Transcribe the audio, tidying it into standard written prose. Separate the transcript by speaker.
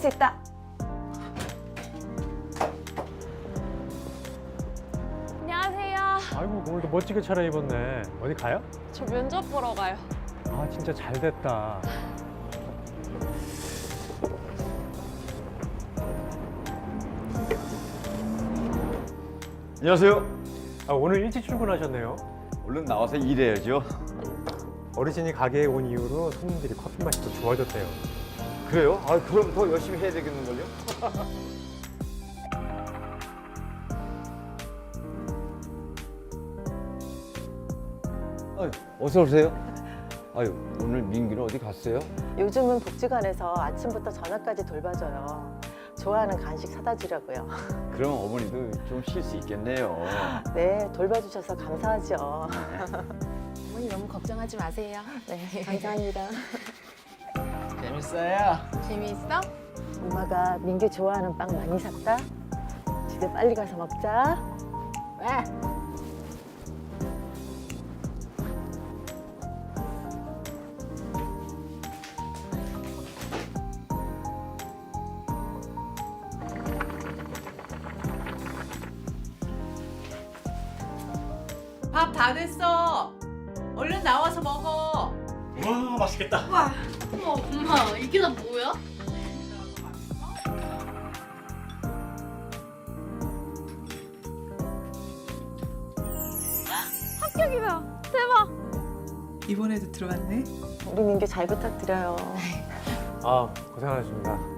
Speaker 1: 수 있다.
Speaker 2: 안녕하세요.
Speaker 3: 아이고 오늘도 멋지게 차려입었네. 어디 가요?
Speaker 2: 저 면접 보러 가요.
Speaker 3: 아 진짜 잘 됐다.
Speaker 4: 안녕하세요.
Speaker 3: 아, 오늘 일찍 출근하셨네요.
Speaker 4: 얼른 나와서 일해야죠.
Speaker 3: 어르신이 가게에 온 이후로 손님들이 커피 맛이 더 좋아졌대요.
Speaker 4: 그래요? 아, 그럼 더 열심히 해야 되겠는걸요? 아유, 어서 오세요. 아유, 오늘 민기는 어디 갔어요?
Speaker 1: 요즘은 복지관에서 아침부터 저녁까지 돌봐줘요. 좋아하는 간식 사다 주려고요.
Speaker 4: 그럼 어머니도 좀 쉴 수 있겠네요.
Speaker 1: 네, 돌봐주셔서 감사하죠.
Speaker 5: 어머니 너무 걱정하지 마세요.
Speaker 1: 네, 감사합니다.
Speaker 4: 재밌어요.
Speaker 5: 재미있어?
Speaker 1: 엄마가 민규 좋아하는 빵 많이 샀다. 집에 빨리 가서 먹자. 왜?
Speaker 6: 밥 다 됐어. 얼른 나와서 먹어.
Speaker 7: 와 맛있겠다.
Speaker 5: 어머 엄마 이게 다 뭐야?
Speaker 2: 합격이다. 대박.
Speaker 6: 이번에도 들어갔네.
Speaker 1: 우리 민규 잘 부탁드려요.
Speaker 3: 아 고생하셨습니다.